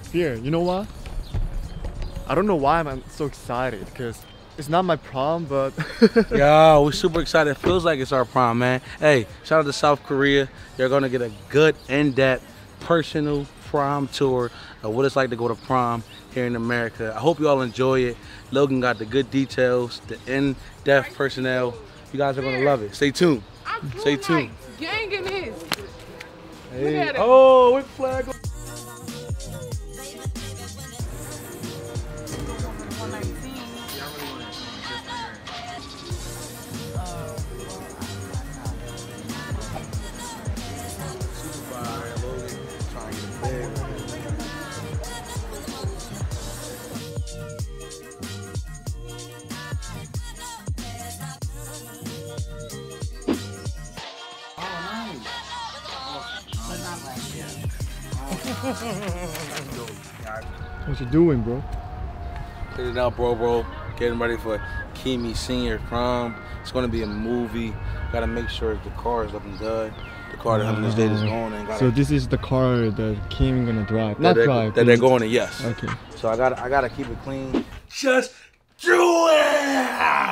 fear. You know what? I don't know why I'm so excited because it's not my prom, but Yo, we're super excited. It feels like it's our prom, man. Hey, shout out to South Korea. You're gonna get a good, in-depth, personal prom tour of what it's like to go to prom here in America. I hope you all enjoy it. Logan got the good details, the in-depth personnel. You guys are gonna love it. Stay tuned. Stay tuned. Gang in this. Hey. Oh, with flag. what you doing, bro? Cleaning out, bro. Getting ready for Kimi senior prom. It's gonna be a movie. Gotta make sure the car is looking good. The car that him and his date is going in. So this is the car that Kim gonna drive. That they're going in, yes. Okay. So I gotta keep it clean. Just do it!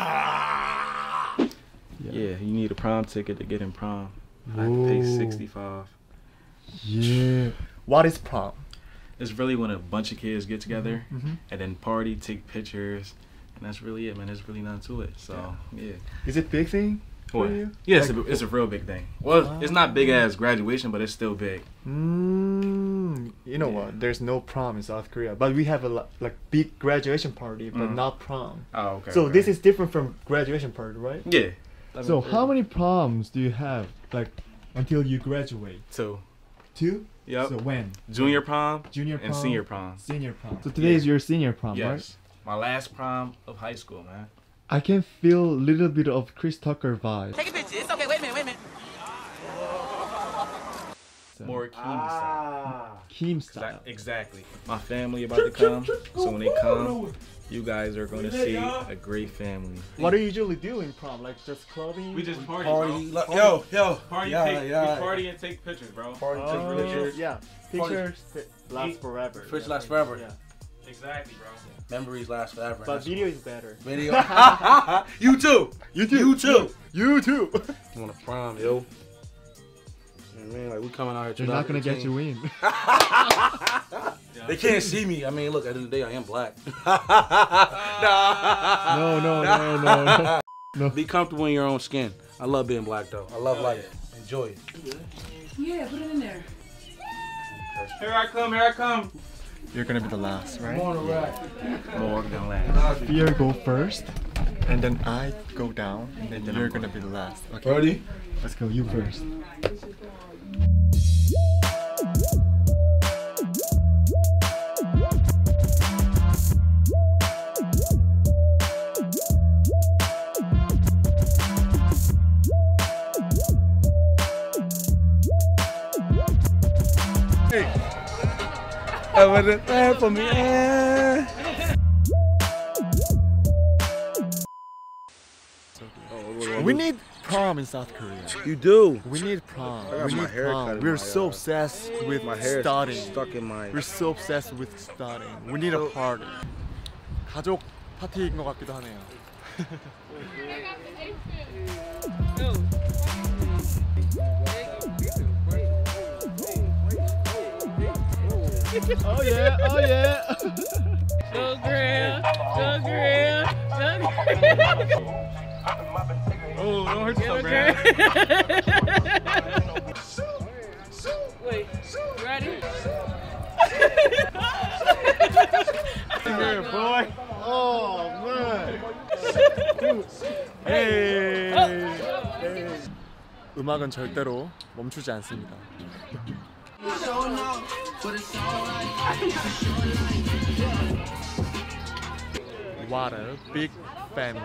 Yeah, you need a prom ticket to get in prom. I have to pay $65. Yeah. What is prom? It's really when a bunch of kids get together and then party, take pictures, and that's really it, man. There's really nothing to it. So yeah. Is it big thing for What? you? Yeah, Like, it's a real big thing. Well, it's not big as graduation, but it's still big. You know what? There's no prom in South Korea, but we have a like big graduation party, but not prom. Oh, okay. So okay. this is different from graduation party, right? Yeah. So how many proms do you have, like, until you graduate? 2. 2? Yep. So when? Junior prom, Junior prom and senior prom. Senior prom. So today is your senior prom, right? Yes. My last prom of high school, man. I can feel a little bit of Chris Tucker vibe. Take a picture. It's okay. Wait a minute. More Kim style. Kim style. Exactly. My family about to come, so when they come, you guys are going to see a great family. What do you usually do in prom? Like just clubbing? We just party, Party. bro. Yo. Party, Yeah. we party and take pictures, bro. Party, take pictures. Yeah. Pictures last forever. Pictures last forever. Yeah. Exactly, bro. Memories last forever. But video is better. Video. You too. You too. You too. You want to prom, yo? Yeah, man, like we coming out here. They're not gonna get you in. They can't see me. I mean, look, at the end of the day, I am black. No. Be comfortable in your own skin. I love being black, though. I love life. Enjoy it. Yeah, put it in there. Here I come. You're gonna be the last, right? More than last. Fear go first, and then I go down, and then you're gonna be the last. Okay. Ready? Let's go. You first. I wasn't there for me. We need prom in South Korea. You do. We need prom. got We my need hair cut prom. in We're my, so obsessed with My hair studying. stuck in my. We're so obsessed with studying. We need a party. 가족 파티인 것 같기도 하네요. Oh yeah. Go girl. Oh, don't hurt yourself, man. Wait, ready? Here, boy. Oh man. Hey. 음악은 절대로 멈추지 않습니다. What a big family.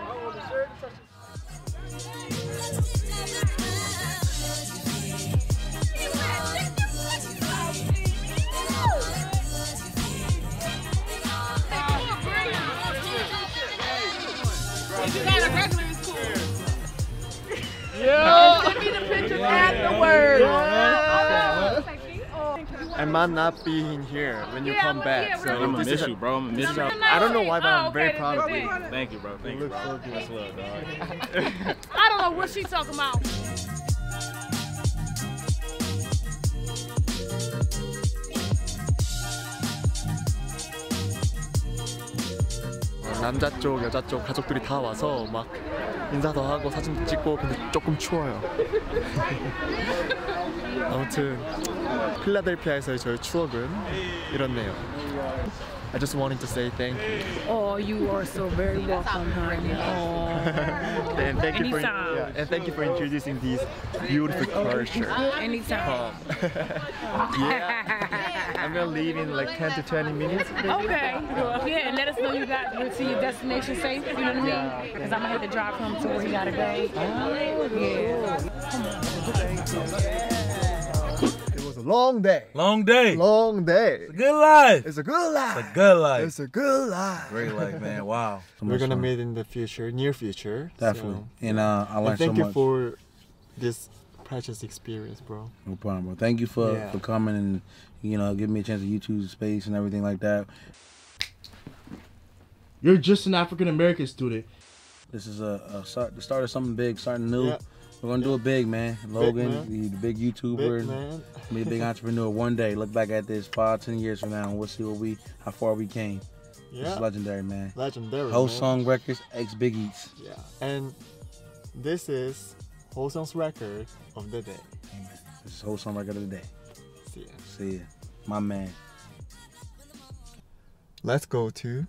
You got a regular school. Yeah. Send me the pictures afterwards. I might not be in here when you Yeah, come back. yeah, so right. I'm gonna this miss is you, bro. I'm gonna miss you. I don't know why, but I'm very okay, proud of then you. bet. Thank you, bro. Thank you, look bro. so good. That's love, dog. I don't know what she talking about. 남자 쪽, 여자 쪽 가족들이 다 와서 막 인사도 하고 사진도 찍고 근데 조금 추워요. 아무튼 필라델피아에서의 저의 추억은 이렇네요. I just wanted to say thank you. Oh, you are so very welcome, honey. Oh. And thank you for Anytime. and thank you for introducing these beautiful culture. Anytime. Yeah. I'm gonna leave in like 10 to 20 minutes. Okay. Yeah, and let us know you got to your destination safe. You know what I mean? Because I'm gonna have to drive him to where he gotta go. Yeah. It was a long day. Long day. Long day. Good life. It's a good life. It's a good life. It's a good life. Great life, man. Wow. So We're much gonna fun. meet in the future, near future. Definitely. So. And I And learned so thank you much. for this precious experience, bro. No problem, bro. Thank you for Yeah. coming and giving me a chance to YouTube space and everything like that. You're just an African American student. This is the start of something big, starting new. Yeah. We're gonna do it big, man. Logan, man. the big YouTuber, Big man. be a big entrepreneur one day. Look back at this 5-10 years from now, and we'll see how far we came. Yeah. This is legendary, man. Legendary. Whole man. Song Records, ex Big Eats. Yeah. And this is Whole Song's record of the day. This is Whole Song Record of the day. See ya. See ya, my man. Let's go to